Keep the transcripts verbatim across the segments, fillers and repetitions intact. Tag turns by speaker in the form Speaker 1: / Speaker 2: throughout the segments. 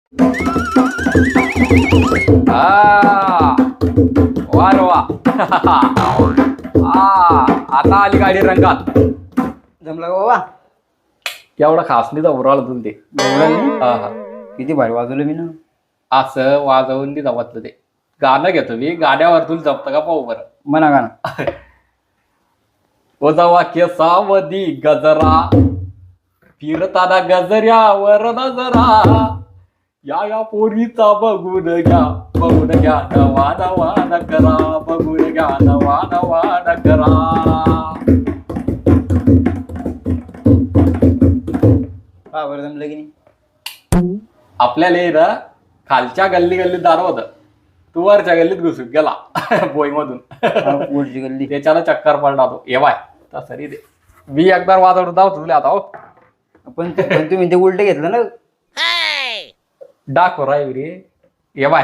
Speaker 1: हा वा रे वा. हा आता आली गाडी रंगात.
Speaker 2: जमला का बाबा?
Speaker 1: एवढा खास नाही उराला तुला ते. हा हा
Speaker 2: किती भारी वाजवलं मी ना.
Speaker 1: असं वाजवून ती जमतलं ते. गाणं घेतो मी, गाण्यावर तुला जमतं का पाहू बरं.
Speaker 2: म्हणा गाणं.
Speaker 1: ओजावा केसावधी गजरा फिरताना गजऱ्यावर नजरा या या पोरीचा बघून घ्या बघून घ्या नवा नवा नकरा बघून घ्या नवा नवा नकरा.
Speaker 2: हा बरं जमलं की नाही.
Speaker 1: आपल्याला हे ना खालच्या गल्ली गल्लीत दार होतं, तू वरच्या गल्लीत घुसून गेला बोई मधून.
Speaker 2: पुढची गल्ली.
Speaker 1: त्याच्याला चक्कर पडला तो. ये बाय तसं दे मी एकदा वाजवत जाऊ तुला आता. हो
Speaker 2: पण पण तुम्ही ते उलट घेतलं ना.
Speaker 1: डाको राय रे. ये बाय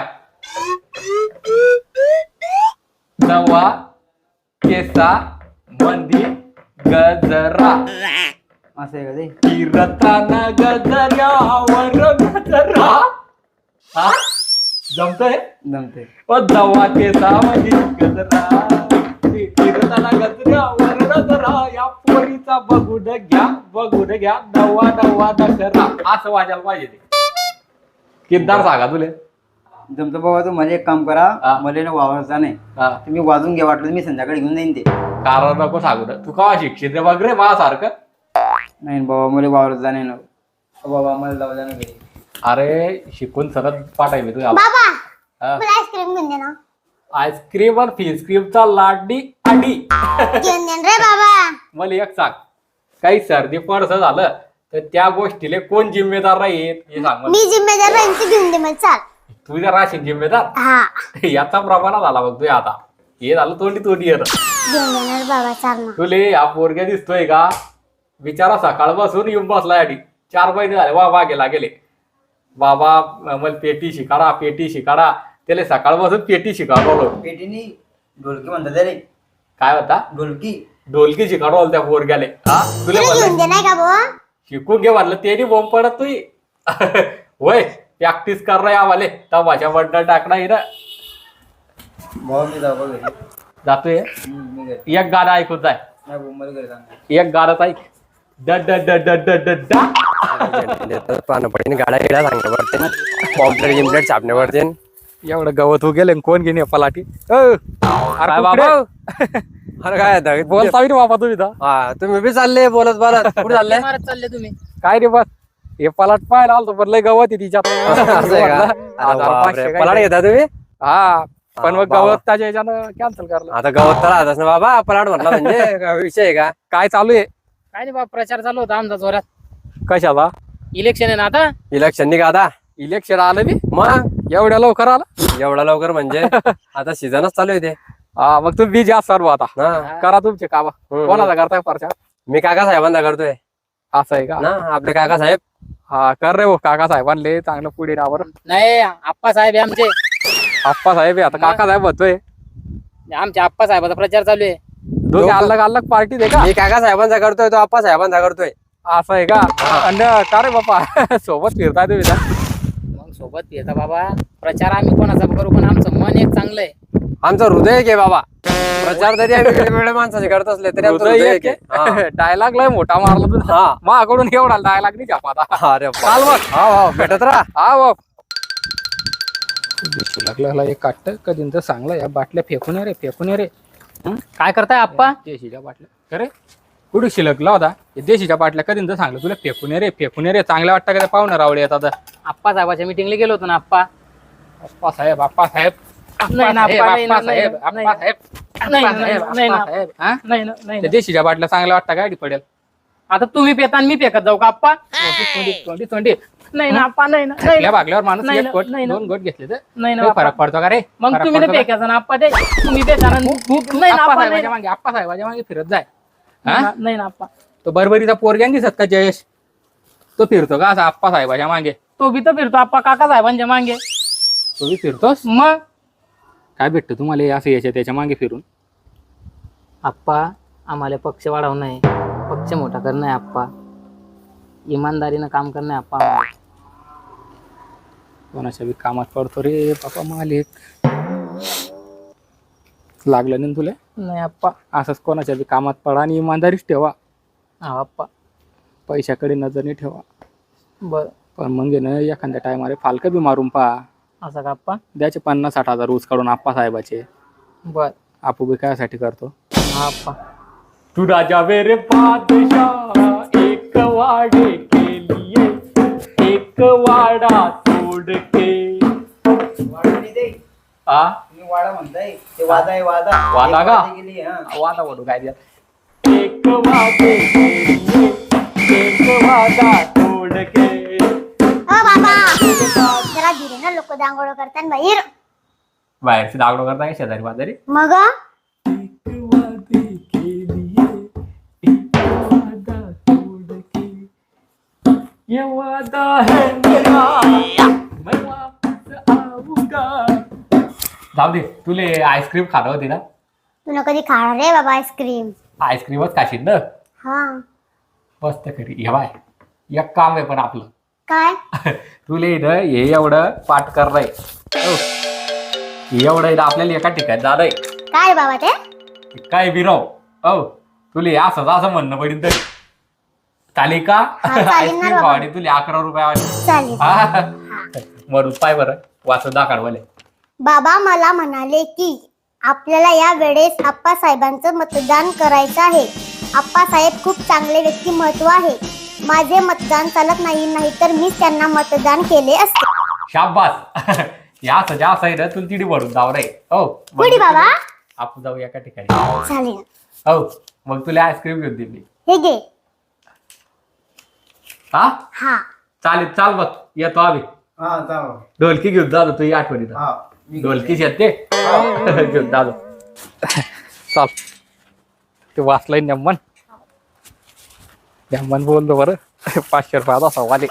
Speaker 1: नवा केसा मंदी गजरा
Speaker 2: असं आहे का ते?
Speaker 1: फिरताना गजऱ्यावर गजरा. हा जमतंय.
Speaker 2: जमते.
Speaker 1: ओ नवा केसा मंदी गजरा फिरताना गजऱ्यावर गजरा या पोरीचा बघून घ्या बघून घ्या नवा नवा नकरा. असं वाजायला पाहिजे ते. किद्दार सांगा तुले.
Speaker 2: जमतं बाबा. तू मला एक काम करा,
Speaker 1: हा.
Speaker 2: मला ना वावरचा नाही.
Speaker 1: हा
Speaker 2: तुम्ही वाजून घ्या, वाटलं मी संध्याकाळी घेऊन जाईन ते.
Speaker 1: कारण नको सांगू ना. तू का शिक्षित रे बघ रे माझ्यासारखं.
Speaker 2: नाही बाबा मला वावरत जा नाही ना बाबा. मला जाऊ द्या ना घरी.
Speaker 1: अरे शिकून सरळ पाठाय मी तुझ्या.
Speaker 3: बाबा
Speaker 1: हा.
Speaker 3: मला आईस्क्रीम घेऊन दे ना.
Speaker 1: आईस्क्रीम और फिस्क्रीमचा लाडी आडी.
Speaker 3: घेऊन दे रे बाबा.
Speaker 1: मला एक सांग, काही सर्दी पडस झालं तर त्या गोष्टीले कोण जिम्मेदार राहील हे सांग मला.
Speaker 3: मी जिम्मेदार राहीन, तू घेऊन दे मला. चाल.
Speaker 1: तू जर राशील जिम्मेदार.
Speaker 3: हा
Speaker 1: याचा प्रमाण झाला बघ तू आता. हे झालं तोंडी तोंडी येत.
Speaker 3: घेऊन देणार बाबा. चाल ना.
Speaker 1: तुले हा पोरग्या दिसतोय का? बिचारा सकाळ बसून येऊन बसला याडी. चार महिने झाले वा वा गेला गेले. बाबा मला पेटी शिकाडा पेटी शिकाडा. त्याला सकाळ बसून पेटी शिकाडवलो.
Speaker 2: पेटीनी ढोलकी म्हणतात त्याले.
Speaker 1: काय होता?
Speaker 2: ढोलकी.
Speaker 1: ढोलकी शिकाडवलं त्या पोरग्याले. हा तुला
Speaker 3: तुला घेऊन
Speaker 1: म्हणलं
Speaker 3: दे नाही का भाऊ?
Speaker 1: शिकून घे म्हणलं ते बोंब पडत तुही. होय प्रॅक्टिस कर रे आम्हाला. तमाशा बंडल टाकणार हिरा.
Speaker 2: बाबा मी जाऊ बा घरी.
Speaker 1: जातोय.
Speaker 2: हम्म, मी घरी.
Speaker 1: एक गाणं ऐकून जाय.
Speaker 2: नाही भाऊ मला घरी जाणार.
Speaker 1: एक गाणं ऐक. ड ड ड ड ड ड डा.
Speaker 4: पानं पडते गाड्या गिड्या सांगण्या पडते. पॉम्पलेट गिम्पलेट छापण्या पडते.
Speaker 1: एवढं गवत हो गेले कोण घेणे पलाटी. अरे बाबा
Speaker 4: अरे काय आता
Speaker 1: बोलता रे बाबा तुम्ही तर.
Speaker 4: हा तुम्ही बी चालले बोलत बोलत कुठे चालले?
Speaker 5: चालले तुम्ही.
Speaker 1: काय रे बस हे पलाट पाहायला आलतो पण लय गवत आहे तिच्यात.
Speaker 4: असं आहे का? अरे बापरे, पलाट घेता तुम्ही?
Speaker 1: हा पण मग
Speaker 4: बाबा.
Speaker 1: गवत त्याच्या ह्याच्यानं कॅन्सल करलं.
Speaker 4: आता गवत तर राहतच ना बाबा. पलाट म्हटला म्हणजे काय विषय आहे का?
Speaker 1: काय चालू आहे?
Speaker 5: काय नाही बाबा, प्रचार चालू होता आमचा जोरात.
Speaker 1: कशाला?
Speaker 5: इलेक्शन आहे ना आता.
Speaker 4: इलेक्शन निघा आता.
Speaker 1: इलेक्शन आलं बी
Speaker 4: मग
Speaker 1: एवढ्या लवकर आलं.
Speaker 4: एवढा लवकर म्हणजे आता सीझनच चालू आहे ते.
Speaker 1: हा मग तुम्ही बिजी असाल बुवा आता.
Speaker 4: हा.
Speaker 1: करा तुमचे काम.
Speaker 4: हम्म.
Speaker 1: कोणाचा करताय प्रचार?
Speaker 4: मी काका साहेबांना करतोय
Speaker 1: असं आहे का?
Speaker 4: ना. आपले काका साहेब.
Speaker 1: हा कर रे हो काका साहेबांले चांगलं पुढे रावर.
Speaker 5: नाही आप्पा साहेब आहे आमचे.
Speaker 1: आप्पा साहेब आहे आता. काका साहेब होतोय.
Speaker 5: आमच्या आप्पा साहेबाचा प्रचार चालू आहे.
Speaker 1: दोघे अलग अलग पार्टी दे का?
Speaker 4: मी काका साहेबांचा करतोय, तो आप्पा साहेबांचा करतोय.
Speaker 1: असं आहे का? आणि का रे बाप्पा सोबत फिरताय तुम्ही तर?
Speaker 5: मग सोबत येता बाबा. प्रचार आम्ही कोणाचा करू पण आमचं मन एक चांगलं आहे.
Speaker 4: आमचं हृदय एक आहे बाबा. प्रचार तरी आम्ही वेगवेगळ्या माणसाचे करत असले तरी आमचं हृदय एक आहे. हा.
Speaker 1: डायलॉग लय मोठा मारला तू.
Speaker 4: हा.
Speaker 1: माझ्याकडून एवढा डायलॉग नाही छापा आता.
Speaker 4: अरे
Speaker 1: चाल मग.
Speaker 4: हा हा भेटत राहा.
Speaker 1: हा बाप लागला एक काट कधी तर चांगला या बाटल्या फेकून ये रे फेकून ये रे.
Speaker 5: काय करताय आप्पा?
Speaker 1: देशीच्या बाटल्या अरे कुठे शिलकला होता हे देशीच्या बाटल्या कधी तर सांगलं तुला फेकून ये रे फेकून ये रे. चांगल्या वाटतं का त्या पाहुणं रावळे येतात.
Speaker 5: आप्पा साहेबाच्या मिटिंगला गेलो होतो ना आप्पा.
Speaker 1: अप्पा साहेब अप्पा साहेब
Speaker 5: नाही ना,
Speaker 1: साहेब,
Speaker 5: अप्पा, नाही ना,
Speaker 1: अप्पा साहेब
Speaker 5: नाही
Speaker 1: अप्पा
Speaker 5: ना,
Speaker 1: साहेब
Speaker 5: नाही ना,
Speaker 1: अप्पा साहेब,
Speaker 5: नाही ना.
Speaker 1: अप्पा साहेब. हा?
Speaker 5: नाही ना, नाही
Speaker 1: त्या
Speaker 5: ना.
Speaker 1: देशीच्या बाटल्या चांगल्या वाटतं गाडी पडेल.
Speaker 5: आता तुम्ही पेता आणि मी पेकत जाऊ का आप्पा?
Speaker 1: तोंडी तोंडी तोंडी
Speaker 5: नाही ना आप्पा. नाही ना, नाही
Speaker 1: थकल्या
Speaker 5: ना.
Speaker 1: भागल्यावर माणूस
Speaker 5: नाही
Speaker 1: एक
Speaker 5: ना,
Speaker 1: गोट
Speaker 5: नाही ना.
Speaker 1: दोन गोट घेतले तर
Speaker 5: नाही ना
Speaker 1: काही
Speaker 5: आप्पा.
Speaker 1: फरक पडतो का रे?
Speaker 5: मग
Speaker 1: फरक
Speaker 5: तुम्ही
Speaker 1: पडतो
Speaker 5: नाही
Speaker 1: का?
Speaker 5: पेकायचं ना आप्पा. ते तुम्ही पेता ना. नाही ना
Speaker 1: आप्पा
Speaker 5: आप्पा. नाही
Speaker 1: साहेबाच्या
Speaker 5: ना.
Speaker 1: मागे आप्पा साहेबाच्या मागे फिरत जाय. हा?
Speaker 5: नाही ना आप्पा.
Speaker 1: तो बरबरीचा पोरग्यान दिसत का जयेश? तो फिरतो का असा आप्पा साहेबाच्या मागे?
Speaker 5: तो बी तर फिरतो आप्पा काका साहेबांच्या मागे.
Speaker 1: तो बी फिरतोस?
Speaker 5: मग
Speaker 1: काय भेटतं तुम्हाला हे असं याच्या त्याच्या मागे फिरून?
Speaker 5: आप्पा आम्हाला पक्ष वाढवणं आहे, पक्ष मोठा करणं आहे आप्पा. इमानदारीनं काम करणं आहे आप्पा आम्हाला. कोणाच्या बी कामात पडतो रे बापा मालिक. लागलं नाही ना तुला?
Speaker 2: नाही आप्पा.
Speaker 5: असंच कोणाच्या बी कामात पडा आणि इमानदारीच ठेवा.
Speaker 2: हा आप्पा.
Speaker 5: पैशाकडे नजर नाही ठेवा.
Speaker 2: बर.
Speaker 5: पण मग आहे ना एखाद्या टायमाला फालकं बी मारून पहा.
Speaker 2: असं का आप्पा?
Speaker 5: द्याचे पन्नास साठ हजार ऊस काढून आप्पा साहेबाचे.
Speaker 2: बर.
Speaker 5: आपू बी कायसाठी करतो?
Speaker 2: हा आप्पा.
Speaker 1: तू राजा मेरे बादशाह एक वाड़े के लिए एक वाड़ा तोड़ के. आ
Speaker 2: वाडा म्हणताय ते वादा आहे वादा.
Speaker 1: वादा का?
Speaker 2: गेली हा.
Speaker 1: वादा म्हणू काय द्या. एक वादे के लिए एक वादा तोड के.
Speaker 3: हो बाबा जरा धीरे ना, लोक दांगोळ करतात बाहेर.
Speaker 1: बाहेरची दागडो करता का शेजारी बाजारी?
Speaker 3: मग
Speaker 1: एक वादे के लिए एक वादा तोड़ के. ये वादा है मेरा मैं वापस आऊंगा. जाऊ दे, तुले आईस्क्रीम खाणं होती ना?
Speaker 3: तुला कधी खाणार रे बाबा आईस्क्रीम?
Speaker 1: आईस्क्रीमच खाशील ना?
Speaker 3: हा.
Speaker 1: मस्त खरी. हे बाय एक काम आहे पण आपलं.
Speaker 3: काय?
Speaker 1: तुले इथं हे एवढं पाठ करलंय. एवढं इथं आपल्याला एका ठिकाणी जाणंय.
Speaker 3: काय बाबा ते?
Speaker 1: काय बिराव हो तुले असंच असं म्हणणं पडेल तरी चालेल का?
Speaker 3: हा, चालेल ना
Speaker 1: आईस्क्रीम
Speaker 3: बाबा.
Speaker 1: खावाडी तुले अकरा रुपये
Speaker 3: चालेल.
Speaker 1: मरून पाय बरं वाचत दाखड वाले.
Speaker 3: बाबा मला म्हणाले की आपल्याला या वेळेस आप्पासाहेबांचं मतदान करायचं आहे. आप्पासाहेब खूप चांगले व्यक्तिमत्व आहे. माझे मतदान चालत नाही नाही तर मी त्यांना मतदान केले असते.
Speaker 1: शाबास. या सजा असं आहे ना तुला तिडी भरून जाऊ रे. हो
Speaker 3: कुठे बाबा?
Speaker 1: आपण जाऊ एका ठिकाणी.
Speaker 3: चालेल.
Speaker 1: हो मग तुला आईस्क्रीम घेऊन दिली.
Speaker 3: हे घे.
Speaker 1: हा
Speaker 3: हा.
Speaker 1: चालेल चाल बघ येतो आम्ही.
Speaker 2: हा जाऊ.
Speaker 1: ढोलकी घेऊन जातो तू या आठवणीत.
Speaker 2: हा.
Speaker 1: ढोलकीच येते घेऊन जातो. चाल ते वाचलंय नेमन. नेमन बोललो बरं. पाचशे रुपयात असा वाले.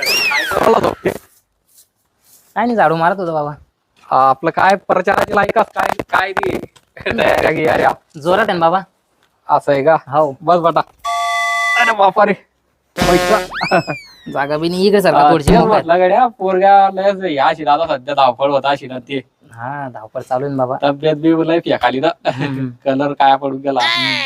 Speaker 2: काय नाही झाडू मारत होतो बाबा.
Speaker 1: आपलं काय प्रचाराची लायकाच काय काय नाही अरे
Speaker 2: जोरात आहे ना बाबा.
Speaker 1: असं आहे का?
Speaker 2: हो.
Speaker 1: बस बटा. अरे बापा रे पैसा
Speaker 2: जागा बी नाही इकडे सारखा थोडीशी मोकळी.
Speaker 1: म्हटलं गड्या पोरग्या या शिराला सध्या धावपळ होता शिना ते.
Speaker 2: हा धावपळ चालू आहे ना बाबा.
Speaker 1: तब्येत बी लय फेकाली ना. कलर काय पडून गेला.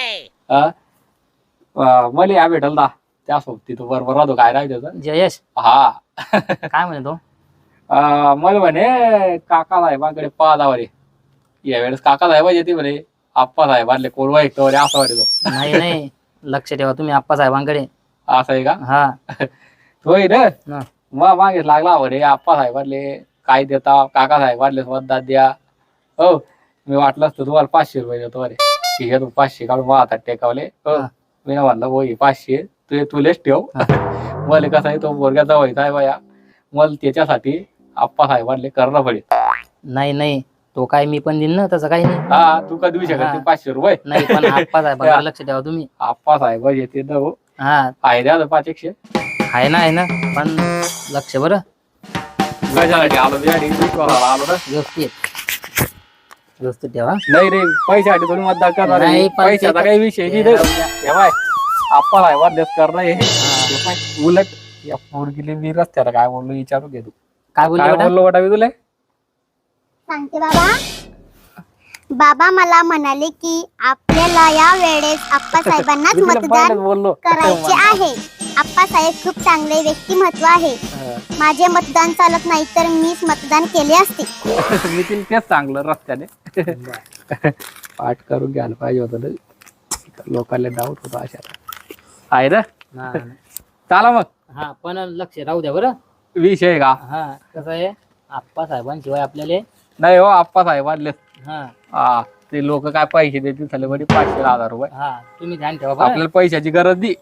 Speaker 1: मला या भेटल ना त्या सोबती तू बरोबर राहतो काय राहायचं त्याचं.
Speaker 2: जयेश
Speaker 1: हा
Speaker 2: काय म्हणे तो?
Speaker 1: मला म्हणे काका साहेबांकडे पाहा जावा रे. यावेळेस काका साहेब येते म्हणे. आप्पा साहेबांले कोरवा ऐकतो रे असं वाटतो.
Speaker 2: नाही नाही लक्ष ठेवा तुम्ही आप्पा साहेबांकडे.
Speaker 1: असं आहे का?
Speaker 2: हा.
Speaker 1: होय रे.
Speaker 2: हा.
Speaker 1: मग मागेच लागला म्हणे आप्पा साहेबांले काय देता काका साहेबांले मतदान द्या. हो मी वाटलं असतं तुम्हाला पाचशे रुपये देतो अरे. ठीक आहे तू पाचशे काढून मला हातात टेकावले. हो
Speaker 2: हा.
Speaker 1: मी म्हणलं होई पाचशे तू तुलेच ठेव. मला कसं आहे तो बोरग्याचा व्हायचा आहे बाया. मला त्याच्यासाठी आप्पा साहेबांले करणं पडेल.
Speaker 2: नाही नाही तो काय मी पण देईन ना तसं काही नाही.
Speaker 1: हा तू का देऊ शकत
Speaker 2: हा.
Speaker 1: ते पाचशे रुपये.
Speaker 2: नाही पण आप्पा साहेबांकडे लक्ष ठेवा तुम्ही.
Speaker 1: आप्पा साहेब येते ना हो.
Speaker 2: हा
Speaker 1: आहे द्या ना पाच एकशे.
Speaker 2: आहे ना आहे ना पण लक्ष बरं
Speaker 1: कशासाठी आलो त्यासाठी आलो ना.
Speaker 2: व्यवस्थित व्यवस्थित ठेवा.
Speaker 1: नाही रे पैशासाठी तुम्ही मतदान करणार आहे.
Speaker 2: नाही, पण
Speaker 1: पैशाचा
Speaker 2: ते-
Speaker 1: काही विषय नाही रे. हे बाय आप्पा साहेबांलेच करणं हे. हे पाय, उलट या पोरगीले मी रस्त्याला काय बोललो विचारू घे तू.
Speaker 2: काय बोलले
Speaker 1: काय
Speaker 2: बेटा?
Speaker 1: बोललो वाटा मी तुला?
Speaker 3: सांगते बाबा. बाबा मला म्हणाले की आपल्याला या वेळेस आप्पासाहेबांनाच
Speaker 1: मी तुला
Speaker 3: मतदान
Speaker 1: पहिलेच बोललो.
Speaker 3: करायचे आहे. आप्पासाहेब खूप चांगले व्यक्तिमत्व आहे.
Speaker 1: हा.
Speaker 3: माझे मतदान चालत नाही तर मीच मतदान केले असते.
Speaker 1: मी तिला तेच सांगलं रस्त्याने. पाठ करून घ्यायला पाहिजे होतं ना. लोकांना डाऊट होता अशा आहे ना.
Speaker 2: हा
Speaker 1: चला मग
Speaker 2: हा, पण लक्ष राहू द्या बरं.
Speaker 1: विषय का?
Speaker 2: हा कसं आहे आप्पा साहेबांशिवाय आपल्याला
Speaker 1: नाही हो आप्पा साहेबांले.
Speaker 2: हा
Speaker 1: हा ते लोक काय पैसे देतील झाले म्हणजे पाचशे हजार रुपये.
Speaker 2: हा तुम्ही ध्यान ठेवा बरं.
Speaker 1: आपल्याला पैशाची गरज नाही.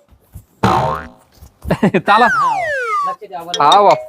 Speaker 1: चला
Speaker 2: हा, लक्ष द्या बरं.
Speaker 1: हा बाप.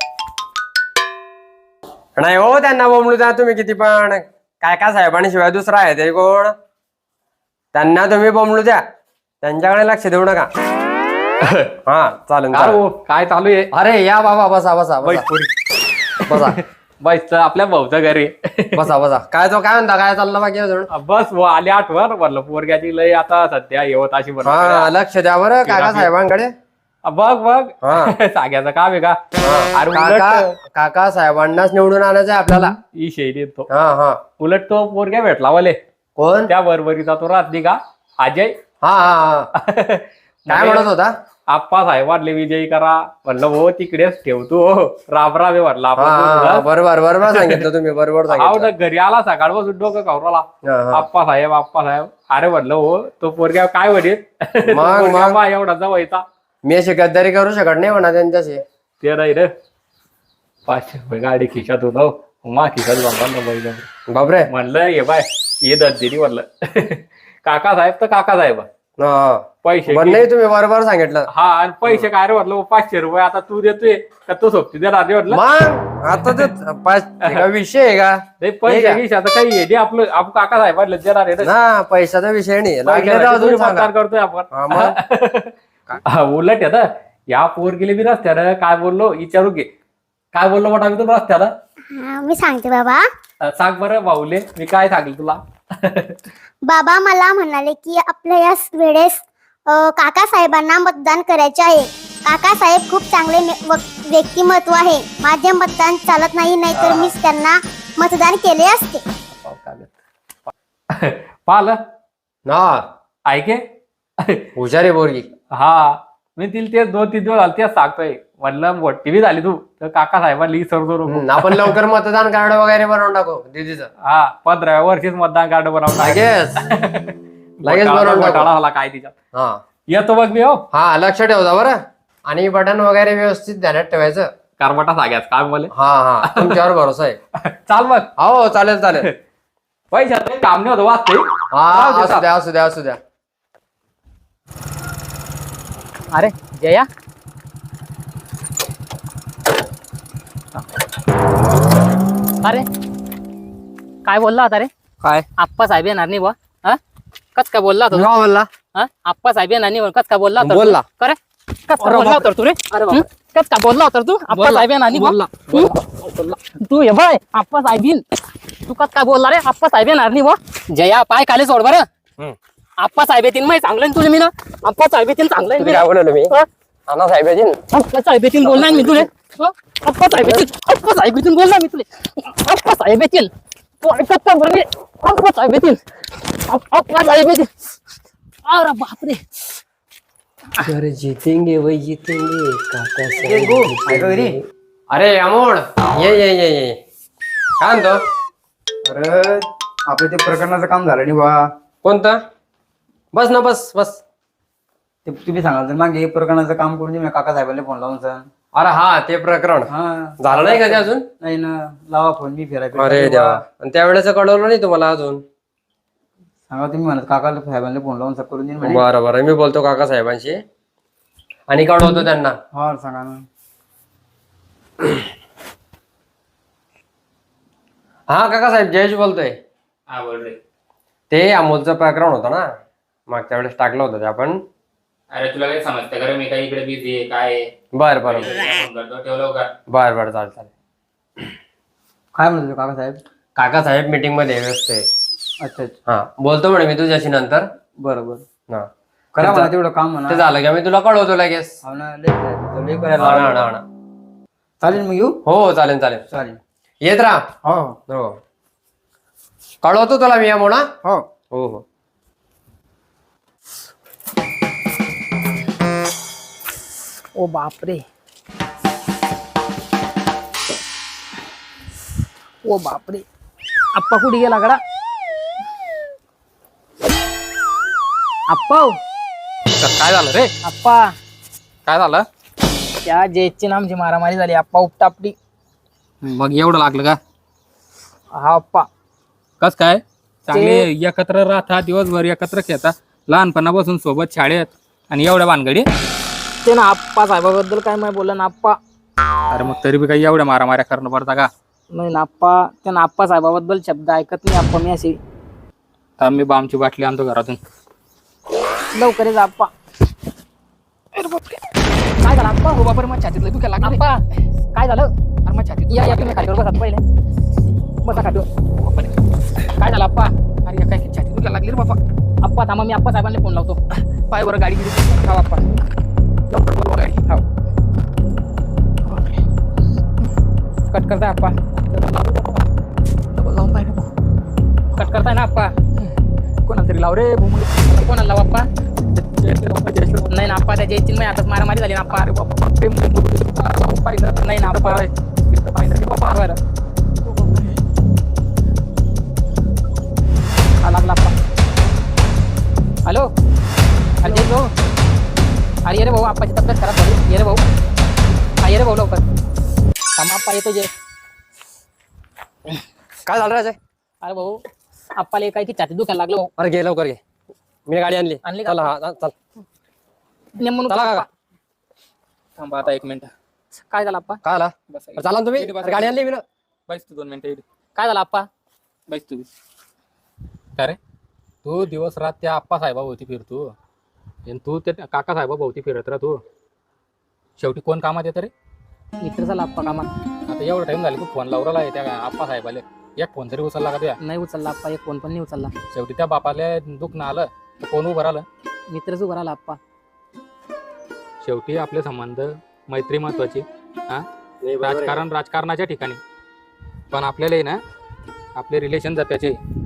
Speaker 4: नाही हो त्यांना बोमलू द्या तुम्ही किती पण. काय काय साहेबांनी शिवाय दुसरा आहे तरी कोण. त्यांना तुम्ही बोमलू द्या त्यांच्याकडे लक्ष देऊ नका. हा चालेल
Speaker 1: काय
Speaker 4: चालेल.
Speaker 1: हो, काय चालू आहे?
Speaker 4: अरे या बाबा बसा बसा
Speaker 1: बैस
Speaker 4: बसा
Speaker 1: पुढे.
Speaker 4: बसा
Speaker 1: बैस तर आपल्या भाऊचं घरी.
Speaker 4: बसा बसा. काय तो काय म्हणता काय चाललं बाकी अजून.
Speaker 1: बस वो आले आठवण म्हणलं पोरग्याची लय आता सध्या येवत अशी
Speaker 4: हा लक्ष द्या बरं काका साहेबांकडे.
Speaker 1: बघ बघ
Speaker 4: हा.
Speaker 1: सांगायचं काम आहे का
Speaker 4: हा.
Speaker 1: अरे
Speaker 4: काका
Speaker 1: उलट
Speaker 4: काका साहेबांनाच निवडून आणायचं आहे आपल्याला.
Speaker 1: ही शैली येतो
Speaker 4: हा हा.
Speaker 1: उलट तो पोरग्या भेटला वाले
Speaker 4: कोण?
Speaker 1: त्या बरोबरीचा तो रात्री का अजय
Speaker 4: हा हा हा. काय म्हणत होता?
Speaker 1: आप्पा साहेबांले विजयी करा म्हणलं हो तिकडेच ठेवतो राब राबे म्हटलं
Speaker 4: हा, हा, हा.
Speaker 1: आपण
Speaker 4: बरोबर बरोबर सांगितलं तुम्ही बरोबर
Speaker 1: हाव
Speaker 4: सांगितलं.
Speaker 1: ना घरी आला सकाळपासून डोकं खावराला
Speaker 4: हा, हा.
Speaker 1: आप्पा साहेब आप्पा साहेब अरे म्हणलं हो तो पोरग्या काय म्हणेल
Speaker 4: मग,
Speaker 1: पोरग्या
Speaker 4: मग.
Speaker 1: बा एवढा जवळचा
Speaker 4: मी अशी गद्दारी करू शकत नाही म्हणा त्यांच्याशी.
Speaker 1: ते नाही रे पाचशे रुपये गाडी खिशात होतो मा खिशात बाबा
Speaker 4: बापरे.
Speaker 1: म्हणलं ये बाय ये दर्दिनी म्हणलं काका साहेब तर काका साहेब
Speaker 4: हा, हा.
Speaker 1: पैसे
Speaker 4: पण नाही तुम्ही बरोबर सांगितलं.
Speaker 1: हा आणि पैसे काय रे म्हटलं पाचशे रुपये आता तू देतोय का तो सोबती देणार रे म्हटलं
Speaker 4: मग आता ते पाच हे का विषय आहे का?
Speaker 1: नाही पैसे गिशे आता काही आहे आपलं आपण काका साहेबांना देणार आहे ना.
Speaker 4: ना पैशाचा विषय नाही. लागले तर
Speaker 1: पैशासाठी
Speaker 4: अजून
Speaker 1: थोडी
Speaker 4: सांगा.
Speaker 1: मतदान करतोय आपण
Speaker 4: हा, मग.
Speaker 1: हा, उलट आहे ना या पोर गेले मी रस्त्यानं काय बोललो विचारू घे काय बोललो मोठा मी तुला रस्त्यानं
Speaker 3: हा, मी सांगते बाबा.
Speaker 1: अं, सांग बरं भाऊले मी काय सांगेल तुला
Speaker 3: बाबा मला म्हणाले की आपल्या या वेळेस अं, काका साहेबांना मतदान करायचे आहे. काका साहेब खूप चांगले मे- वक- व्यक्तिमत्व आहे. माझे मतदान चालत नाही नाहीतर मीच त्यांना मतदान केले असते.
Speaker 1: पाहिलं
Speaker 4: ना
Speaker 1: ऐके
Speaker 4: हुशारी बोरगी.
Speaker 1: हा मी तिला तेच दोन तीन दिवस झाले तेच सांगतोय म्हणलं मोठी बी झाली तू तर काका साहेबांना विसरतो नको
Speaker 4: हम्म, आपण लवकर मतदान कार्ड वगैरे बनवून टाकू दीदीचं.
Speaker 1: हा पंधराव्या वर्षीच मतदान कार्ड बनवून
Speaker 4: लगेच लगेच बनवून टाकू.
Speaker 1: घोटाळा झाला काय तिच्यात
Speaker 4: हा
Speaker 1: येतो बघ मी हो
Speaker 4: हा लक्ष ठेवता बरं. आणि बटन वगैरे व्यवस्थित ध्यानात ठेवायचं.
Speaker 1: कारबटा सांगायचं काय मला
Speaker 4: हा हा तुमच्यावर भरोसा आहे.
Speaker 1: चाल बघ
Speaker 4: हो चालेल चालेल.
Speaker 1: पैशात काही काम नाही होतं वाचते
Speaker 4: हा असू द्या असू द्या असू द्या.
Speaker 5: अरे जया अरे काय बोलला होता रे?
Speaker 4: काय
Speaker 5: आप्पा साहेब येणार नाही बा. हा कस काय बोलला होता तू?
Speaker 4: का बोलला?
Speaker 5: हा आप्पा साहेब येणार नाही कस काय बोलला होता तू?
Speaker 4: बोलला.
Speaker 5: करे कस काय बोलला होता तू रे? हं? कस काय बोलला होता तू? आप्पा साहेब येणार नाही बा? हं? तू ये बाय आप्पा साहेब येईन. तू कस काय बोलला रे? आप्पा साहेब येणार नाही बा. जया पाय खाली सोड बरं.
Speaker 4: हं.
Speaker 5: आप्पा साहेब येतील माहिती चांगलं आहे ना तुझे मी ना आप्पा साहेब येतील चांगलं आहे
Speaker 4: तुम्ही
Speaker 5: ना
Speaker 4: काय बोललो मी?
Speaker 5: हं?
Speaker 4: अण्णा साहेब आहे जी.
Speaker 5: आप्पा साहेब येतील बोलणार मी तुले हं? आप्पा साहेब येतील आप्पा साहेब येतील बोलणार मी तुले आप्पा साहेब येतील तू ऐकत का बरं मी? आप्पा साहेब येतील आप- आप्पा साहेब येतील अरे बापरे
Speaker 4: अरे जितेंगे वही जितेंगे काका
Speaker 2: ऐका घरी.
Speaker 4: अरे अमोल ये ये ये ये काय म्हणतो?
Speaker 2: अरे आपलं ते प्रकरणाचं काम झालं नाही बा.
Speaker 4: कोणतं? बस ना बस बस.
Speaker 2: ते तुम्ही सांगाल तर मागे प्रकरणाचं काम करून दे मी काका साहेबांना फोन लावून सांग.
Speaker 4: अरे हा ते प्रकरण
Speaker 2: हा
Speaker 4: झालं नाही कधी अजून?
Speaker 2: नाही ना लावा फोन मी फिरायला
Speaker 4: अरे देवा. आणि त्यावेळेस कळवलं नाही तुम्हाला अजून?
Speaker 2: सांगा तुम्ही म्हणत काका साहेबांना फोन लावून सब करून देईन म्हणे.
Speaker 4: बरं बरं मी बोलतो काका साहेबांशी आणि कळवतो त्यांना.
Speaker 2: हा सांगा ना.
Speaker 4: हा काका साहेब जयेश बोलतोय.
Speaker 1: हा बोल रे
Speaker 4: ते अमोलचं प्रकरण होतं ना मागच्या वेळेस टाकलं होतं ते आपण.
Speaker 1: अरे तुला काय समजतं का रे मी काही इकडे बिझी आहे काय आहे?
Speaker 4: बर बर
Speaker 1: फोन करतो ठेवलं का
Speaker 4: बर बर चालेल चालेल.
Speaker 2: काय म्हणत होते काका साहेब?
Speaker 4: काका साहेब मीटिंग मध्ये व्यस्त आहे.
Speaker 2: अच्छा अच्छा
Speaker 4: हा बोलतो म्हणे मी तुझ्याशी नंतर.
Speaker 2: बरं बरं
Speaker 4: हा
Speaker 2: करा म्हणा तेवढं काम म्हणा.
Speaker 4: ते झालं की मी तुला कळवतो लगेच.
Speaker 2: हो ना लय करायचं, लय
Speaker 4: हा
Speaker 2: करायला
Speaker 4: ना, हा
Speaker 2: लावलं.
Speaker 4: ना, हा ना.
Speaker 2: चालेल मग येऊ.
Speaker 4: हो चालेल चालेल
Speaker 2: चालेल
Speaker 4: येत राहा.
Speaker 2: हो
Speaker 4: हो कळवतो तुला मी अमोल. हा
Speaker 2: हो
Speaker 4: हो हो.
Speaker 5: ओ बापरे ओ बापरे आप्पा कुठे गेला गडा? आप्पा हो.
Speaker 1: काय झालं रे
Speaker 5: आप्पा
Speaker 1: काय झालं
Speaker 5: त्या जयची नामची मारामारी झाली आप्पा उपटापडी.
Speaker 1: मग एवढं लागलं का
Speaker 5: हा आप्पा
Speaker 1: कस काय चांगले एकत्र राहता दिवसभर एकत्र खेळता लहानपणापासून सोबत शाळेत आणि एवढ्या भानगडी
Speaker 5: ते ना आप्पा साहेबाबद्दल काय नाही बोलला ना आप्पा.
Speaker 1: अरे मग तरी बी काही एवढ्या मारामाऱ्या करणं पडता का?
Speaker 5: नाही ना आप्पा त्या आप्पा साहेबाबद्दल शब्द ऐकत नाही आप्पा मी असे.
Speaker 1: तर मी बामची बाटली आणतो घरातून.
Speaker 5: लवकर ये जा आप्पा. अरे बापरे. काय झालं आप्पा? हो बापरे मग छातीतलं दुखायला लागलं आप्पा. काय झालं? अरे मग छातीत या या तुम्ही खालीवर बसा पहिले बसा खालीवर. बापरे. काय झालं आप्पा? अरे काय छातीत दुखायला लागली रे बाप्पा. आप्पा थांबा मी आप्पा साहेबांना फोन लावतो. पाय बरं गाडी गिरी आप्पा लवकर बोलवा गाडी. कट करताय आप्पा डबल लावून पाहिजे कट करताय ना आप्पा कोणाला तरी लाव रे भूमुळे कोणाला लाव आप्पा नाही ना आप्पा त्या जयचिन्ह नाही आता मारामारी झाली ना आप्पा अरे बाप्पा नाही ना आप्पा बरं हा लागला आप्पा हॅलो अरे जय भाऊ अरे ये रे भाऊ आप्पाची तब्येत खराब झाली ये रे भाऊ हा ये रे भाऊ लवकर थांब आप्पा येतो जे
Speaker 4: काय झालं राजे?
Speaker 5: अरे भाऊ आप्पाला काय की छाती दुखायला लागलो
Speaker 4: अरे घे लवकर घे मी गाडी आणली
Speaker 5: आणली का?
Speaker 4: चला हा चल
Speaker 5: नेमून
Speaker 4: चला काका.
Speaker 1: थांबा आता एक मिनिट.
Speaker 5: काय झालं आप्पा
Speaker 4: काय आला
Speaker 1: बस
Speaker 4: चला ना तुम्ही
Speaker 1: इथे बसा.
Speaker 4: अरे गाडी आणली मी ना
Speaker 1: बैस तू दोन मिनिटं.
Speaker 5: काय झालं आप्पा
Speaker 1: बैस तू काय रे तू दिवस रात त्या आप्पा साहेबाभोवती फिरतो आणि तू त्या काका साहेबाभोवती फिरत राह तू. शेवटी कोण कामात येतं रे?
Speaker 5: मित्र झाला आप्पा कामात
Speaker 1: आता एवढा टाइम झाला तू फोन लावला आहे त्या आप्पा साहेबाले. एक फोन तरी उचलला का तुया?
Speaker 5: नाही उचलला आप्पा एक फोन पण नाही उचलला
Speaker 1: शेवटी त्या बापाले दुखणं आलं तर कोण उभं राहिलं?
Speaker 5: मित्रच उभा राहिला आप्पा
Speaker 1: शेवटी आपले संबंध मैत्री महत्वाची. हा राजकारण राजकारणाच्या ठिकाणी पण आपल्याला ना आपले रिलेशन जपायचे.